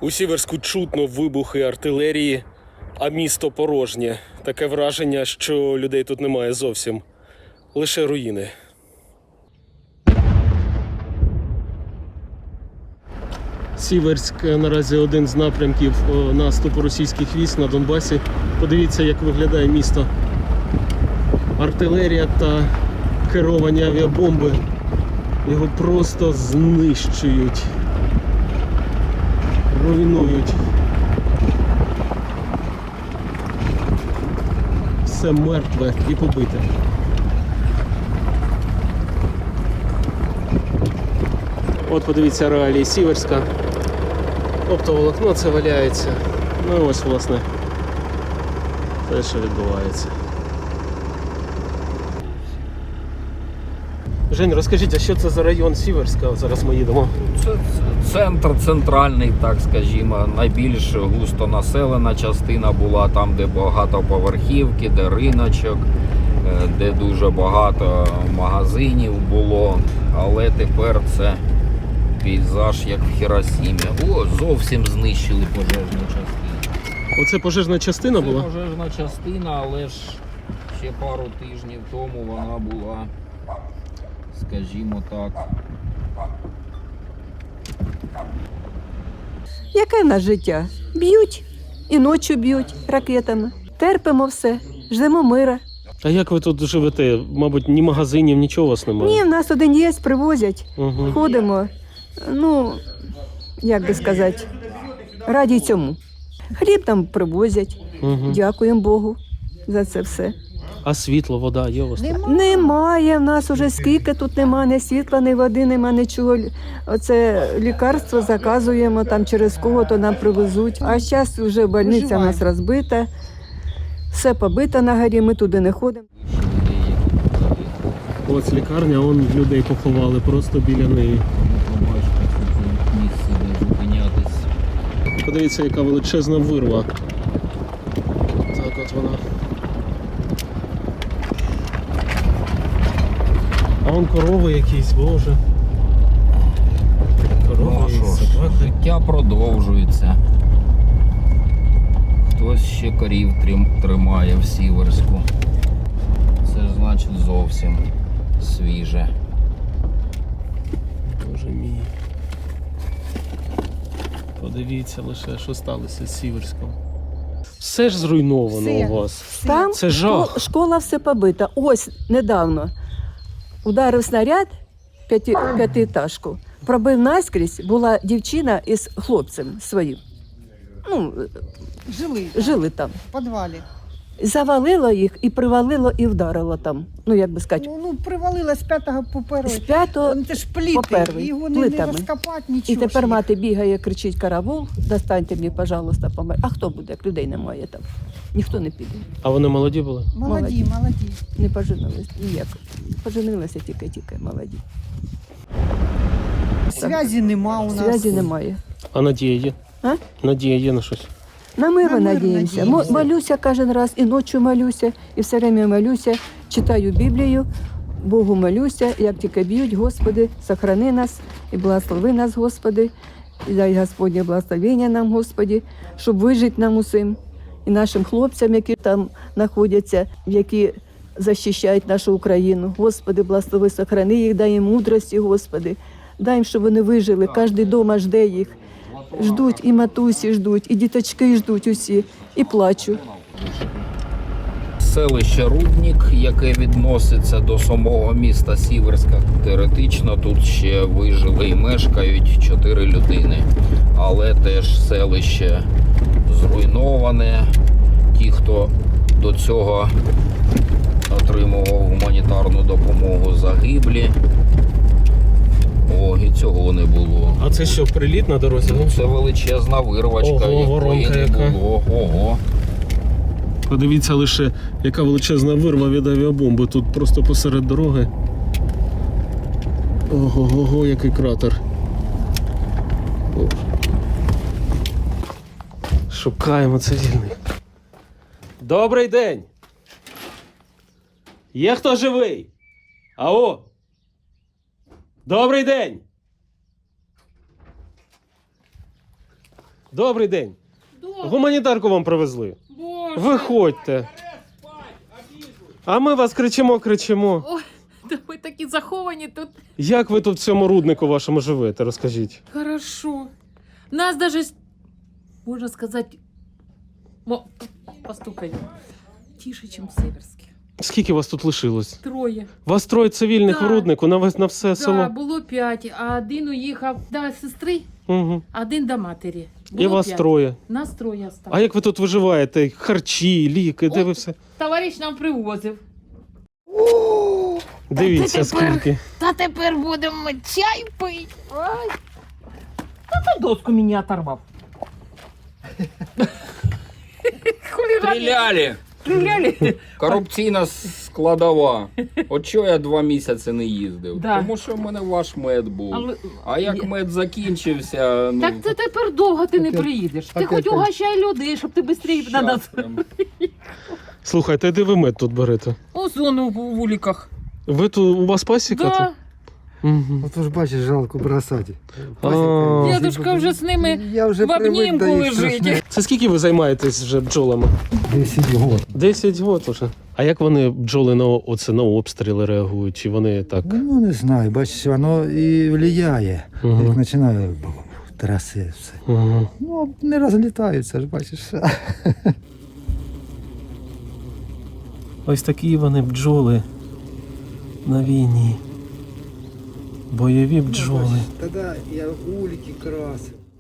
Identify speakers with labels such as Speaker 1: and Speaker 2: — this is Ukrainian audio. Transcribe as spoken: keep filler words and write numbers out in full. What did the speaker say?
Speaker 1: У Сіверську чутно вибухи артилерії, а місто порожнє. Таке враження, що людей тут немає зовсім. Лише руїни. Сіверськ наразі один з напрямків наступу російських військ на Донбасі. Подивіться, як виглядає місто. Артилерія та керовані авіабомби його просто знищують, руйнують. Все мертве і побите. От подивіться реалії Сіверська. Оптоволокно це валяється. Ну і ось, власне, те, що відбувається. Жень, розкажіть, а що це за район Сіверська? Зараз ми їдемо.
Speaker 2: Це центр центральний, так скажімо, найбільш густонаселена частина була там, де багатоповерхівки, де риночок, де дуже багато магазинів було, але тепер це пейзаж як в Хіросімі. О, зовсім знищили пожежну частину.
Speaker 1: Оце пожежна частина
Speaker 2: Це
Speaker 1: була?
Speaker 2: пожежна частина, але ж ще пару тижнів тому вона була, скажімо так.
Speaker 3: Яке в нас життя? Б'ють і ночі б'ють ракетами. Терпимо все, ждемо мира.
Speaker 1: А як ви тут живете? Мабуть, ні магазинів, нічого у вас немає?
Speaker 3: Ні, в нас один є, привозять.
Speaker 1: Угу.
Speaker 3: Ходимо, ну, як би сказати, раді цьому. Хліб там привозять.
Speaker 1: Угу.
Speaker 3: Дякуємо Богу за це все.
Speaker 1: А світло, вода є у вас? тут?
Speaker 3: Немає в нас уже скільки тут немає, ні світла, ні води, нема нічого. Оце лікарство заказуємо, там через кого-то нам привезуть. А зараз вже больниця у нас розбита, все побито на горі, ми туди не ходимо.
Speaker 1: Ось лікарня, вон людей поховали просто біля неї.
Speaker 2: Місце, де зупинятись.
Speaker 1: Подивіться, яка величезна вирва. Так от вона. А вон корови якісь, боже. Корови,
Speaker 2: Ну, а що ж,
Speaker 1: собаки.
Speaker 2: життя продовжується. Хтось ще корів трим- тримає в Сіверську. Це ж значить зовсім свіже.
Speaker 1: Боже мій. Подивіться лише, що сталося з Сіверськом. Все ж зруйновано
Speaker 3: Все.
Speaker 1: у вас.
Speaker 3: Там
Speaker 1: Це жах.
Speaker 3: школа, школа все побита. Ось недавно ударив снаряд п'яти, п'ятиэтажку. Пробив наскрізь, була дівчина із хлопцем своїм. Ну,
Speaker 4: Жили
Speaker 3: жили там.
Speaker 4: в підвалі.
Speaker 3: Завалило їх і привалило, і вдарило там. Ну, як би сказати,
Speaker 4: Ну, ну привалила з п'ятого по
Speaker 3: з
Speaker 4: перший.
Speaker 3: п'ятого.
Speaker 4: Це ж пліти,
Speaker 3: по перший,
Speaker 4: його не, не
Speaker 3: плитами.
Speaker 4: розкопати, нічого.
Speaker 3: І тепер
Speaker 4: ж.
Speaker 3: мати бігає, кричить: караул, достаньте мені, пожалуйста, помер. А хто буде, як людей немає там? Ніхто не піде.
Speaker 1: А вони молоді були?
Speaker 4: Молоді, молоді.
Speaker 3: Не поженились ніяк. Поженилися тільки-тільки молоді.
Speaker 4: Зв'язі нема у нас.
Speaker 3: Зв'язі немає.
Speaker 1: А надія є?
Speaker 3: А?
Speaker 1: Надія є на щось?
Speaker 3: На мир
Speaker 4: На мир
Speaker 3: надіємося.
Speaker 4: надіємося.
Speaker 3: Мо- Молюся кожен раз, і ночі молюся, і все время молюся, читаю Біблію, Богу молюся, як тільки б'ють, Господи, сохрани нас і благослови нас, Господи, і дай Господнє благословення нам, Господи, щоб вижити нам усім, і нашим хлопцям, які там знаходяться, які захищають нашу Україну. Господи, благослови, сохрани їх, дай їм мудрості, Господи, дай їм, щоб вони вижили, кожен вдома жде їх. Ждуть, і матусі ждуть, і діточки ждуть усі, і плачуть.
Speaker 2: Селище Руднік, яке відноситься до самого міста Сіверська, теоретично тут ще вижили і мешкають чотири людини. Але теж селище зруйноване. Ті, хто до цього отримував гуманітарну допомогу, загиблі. О, і цього не було.
Speaker 1: А це що, приліт на дорозі?
Speaker 2: Ну, це величезна вирвачка,
Speaker 1: Ого,
Speaker 2: якої
Speaker 1: воронка
Speaker 2: не
Speaker 1: яка.
Speaker 2: було. Ого.
Speaker 1: Подивіться лише, яка величезна вирва від авіабомби. Тут просто посеред дороги. Ого-го, який кратер. О. Шукаємо цивільних. Добрий день! Є хто живий? Ао! Добрий день! Добрий день.
Speaker 5: Добре.
Speaker 1: Гуманітарку вам привезли.
Speaker 5: Боже.
Speaker 1: Виходьте. А ми вас кричимо, кричимо.
Speaker 5: Ой, та ви такі заховані тут.
Speaker 1: Як ви тут в цьому руднику вашому живете, розкажіть.
Speaker 5: Хорошо. Нас даже, с- можно сказать, мо- постукай, тише, чем в Северске.
Speaker 1: Скільки вас тут лишилось?
Speaker 5: Троє.
Speaker 1: Вас троє цивільних
Speaker 5: Да.
Speaker 1: у руднику на, весь- на все
Speaker 5: Да,
Speaker 1: село.
Speaker 5: було п'ять, а один уїхав до сестри,
Speaker 1: Угу.
Speaker 5: а один до матері.
Speaker 1: І
Speaker 5: Було
Speaker 1: вас
Speaker 5: п'ять.
Speaker 1: троє.
Speaker 5: Нас троє
Speaker 1: А
Speaker 5: осталось.
Speaker 1: як ви тут виживаєте? Харчі, ліки, де
Speaker 5: От.
Speaker 1: ви все?
Speaker 5: Товариш нам привозив.
Speaker 1: Дивіться,
Speaker 5: Та тепер-
Speaker 1: скільки.
Speaker 5: Та тепер будемо чай пити. Ой. Та ти доску мені оторвав. Хулігани.
Speaker 2: Стріляли!
Speaker 5: Стріляли?
Speaker 2: Корупційна складова. От чого я два місяці не їздив?
Speaker 5: Да.
Speaker 2: Тому що в мене ваш мед був.
Speaker 5: Але-
Speaker 2: А як мед закінчився, ну.
Speaker 5: Так це тепер довго ти не
Speaker 4: Таке-
Speaker 5: приїдеш. Ти
Speaker 4: таке-
Speaker 5: хоч угощай людей, щоб ти швидше на нас.
Speaker 2: щас прям.
Speaker 1: Слухайте, де ви мед тут берете?
Speaker 5: У зону в вуликах.
Speaker 1: Ви тут, у вас пасіка
Speaker 5: Да.
Speaker 1: тут? Угу.
Speaker 6: От ж бачиш, жалко бросати.
Speaker 1: А.
Speaker 5: Дедушка вже з ними
Speaker 6: Я вже
Speaker 5: в
Speaker 6: привик
Speaker 5: обнімку
Speaker 6: до їх
Speaker 5: лежить.
Speaker 6: страшних.
Speaker 1: Це скільки ви займаєтесь вже бджолами?
Speaker 6: десять років.
Speaker 1: Десять років уже. А як вони бджоли на оце на обстріли реагують? Чи вони так?
Speaker 6: Ну не знаю, бачиш, воно і впливає.
Speaker 1: Мгм.
Speaker 6: Як починає траси все.
Speaker 1: Угу.
Speaker 6: Ну, не розлітаються ж, бачиш.
Speaker 1: Ось такі вони бджоли на війні. Бойові бджоли.
Speaker 6: Тоді я улики красив.